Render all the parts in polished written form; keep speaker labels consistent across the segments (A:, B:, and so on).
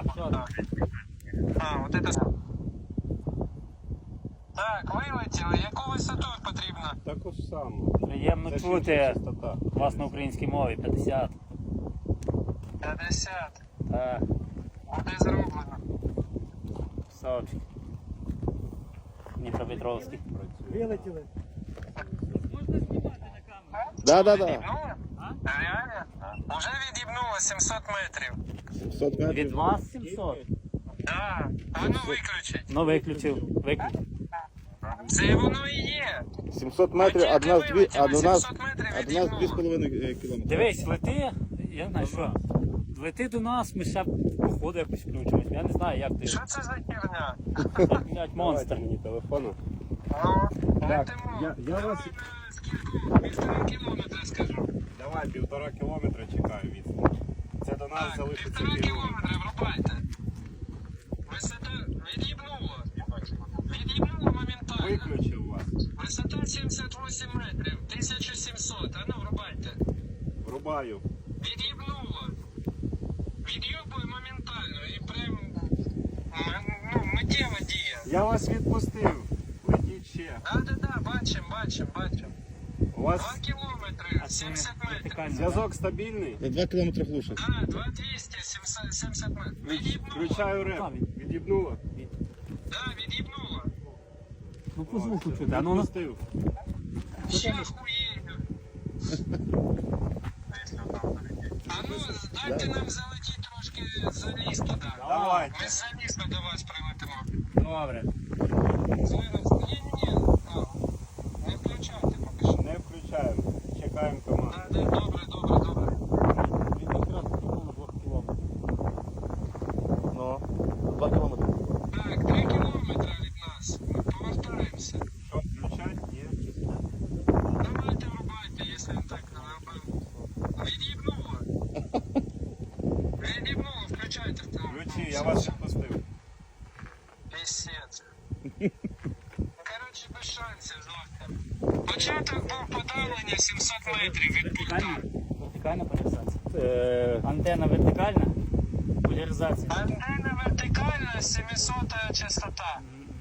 A: А, вот это... Так, вилетіли. Яку висоту потрібно?
B: Таку ж саму.
C: Приємно
B: Це
C: чути
B: ще частота.
C: вас на українській мові. 50.
A: 50.
C: Так,
A: Буде зроблено.
C: Савчик. Дніпропетровський.
D: Вилетіли.
B: Да.
A: Від'їбнуло? Реально? Уже від'їбнуло 700 метрів.
B: 700
C: Від вас 700?
A: Да. А ну виключить.
C: Ну виключив. Виключив.
A: Це воно і є.
B: 700 метрів,
A: А
B: а до нас
A: тільки вилетіли,
B: а до нас
A: 700 метрів
B: а до нас
A: від'їбнуло.
B: 2,5 кілометри.
C: Дивись, лети, я знаю що. Лети до нас, ми ще походу якось включимось. Я не знаю, як ти.
A: Що це за херня?
C: Блять, монстр.
B: Давайте мені телефону.
A: Ну,
B: Так,
A: летимо.
B: я вас...
A: Давай на скільки? 1,5 кілометра скажу.
B: Давай, 1,5 кілометра чекаю відстань. Це до нас
A: Так,
B: залишиться
A: 1,5
B: кілометр.
A: кілометра, врубайте. Висота від'їбнуло. Від'їбнуло моментально.
B: Виключив вас.
A: Висота 78 метрів, 1700. А ну врубайте.
B: Врубаю.
A: Від'їбнуло. Від'їбує моментально і прям миттєва дія.
B: Я вас відпустив. Летіть ще.
A: Да, бачим.
B: У вас
A: 2 кілометри, 70 метрів.
B: зв'язок стабільний?
E: 2 кілометри глуше.
A: Да, 2200, 70 метрів. Від'їбнуло.
B: Включаю реп. Від'їбнуло?
A: Да, від'їбнуло.
C: Ну по звуку чути. А ну
B: Відпустив.
A: Ще охуєю. А ну, дайте нам залетіти трошки за ліс туди.
B: Давайте.
A: Ми за ліс до вас прилетимо.
C: добре.
A: Зараз. Ні. Не включайте поки що.
B: Не включаємо. Чекаємо команду.
A: Да, добре.
C: Він якраз на 2 кілометрів.
E: Ну, 2 кілометри.
A: Так, 3 кілометри від нас. Ми повертаємося.
B: Що, включати? Ні.
A: Давайте врубайте, якщо він так не робив. Від'їбнуло. Від'їбнуло, включайте в телефон.
B: Включи, я вас відпустив.
A: Пісець. Коротше, без шансів зовсім. Початок був подавлення 700 метрів від пульта.
C: Вертикальна поляризація. Антенна вертикальна. Поляризація.
A: Антенна вертикальна, 700 частота.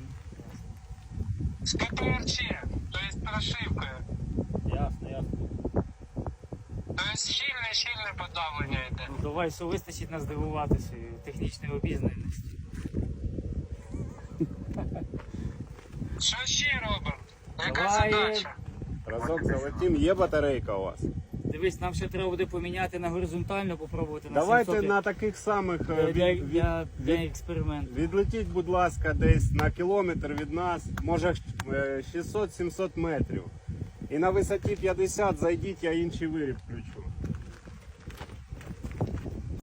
A: З ППРЧ, тобто прошивкою.
C: Ясно.
A: Тобто щільне подавлення йде.
C: Ну давай, що вистачить нас здивувати своєю технічною обізнаністю.
A: Що ще робимо? Яка
C: Давай.
A: задача?
B: Разок залетім. Є батарейка у вас?
C: Дивись, нам ще треба буде поміняти на горизонтально, попробувати на
B: Давайте
C: 700.
B: на таких самих
C: Для експерименту.
B: відлетіть, будь ласка, десь на кілометр від нас, може 600-700 метрів. І на висоті 50 зайдіть, я інший виріб включу.